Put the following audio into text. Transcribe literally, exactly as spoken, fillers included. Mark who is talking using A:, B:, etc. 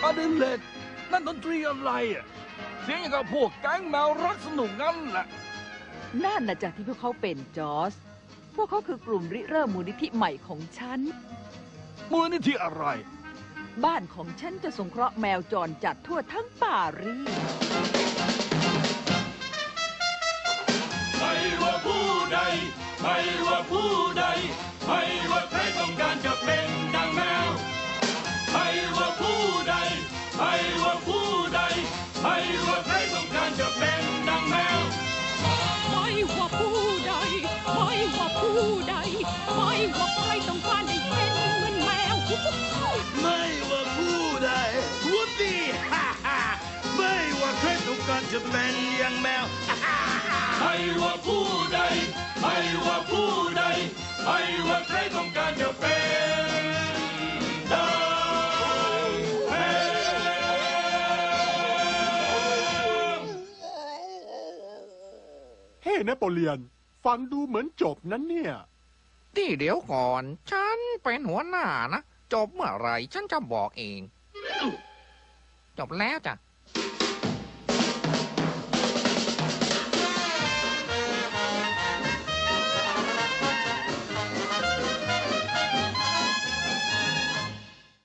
A: อดิเลกนั่นดนตรีอะไรอ่ะเสียงอย่างกับพวกแก๊งแมวรักสนุกงั้นแหละ
B: นั่นนะจากที่พวกเขาเป็นจอร์จพวกเขาคือกลุ่มริเริ่มมูลนิธิใหม่ของฉัน
A: มูลนิธิอะไร
B: บ้านของฉันจะสงเคราะห์แมวจรจัดทั่วทั้งปารีส
C: ไม่ว่าผู้ใดไม่ว่าผู้ใดไม่ว่าใครต้องการจะเป็นดังแมวไม่ว่าผู้ใดไม่ว่าผู้ใดไม่ว่าใครต้องการจะเป็นดังแมว
D: ไม่ว่าผู้ใดไม่ว่าผู้ใดไม่ว่าใครต้องการได้เป็นเหมือนแมว
E: ไม่ว่าผู้ใดวูดดี้ฮ่าฮ่าไม่ว่าใครต้องการจะเป็นอย่างแมว
C: ไม่ว่าผู้ใดไม่ว่าผู้ใดไม่ว่าใครต้องการจะเป็นดังแมว
F: เฮ้นโปเลียนฟังดูเหมือนจบนั้นเนี่ย
G: ที่เดี๋ยวก่อนฉันเป็นหัวหน้านะจบเมื่อไหร่ฉันจะบอกเองจบแล้วจ้ะ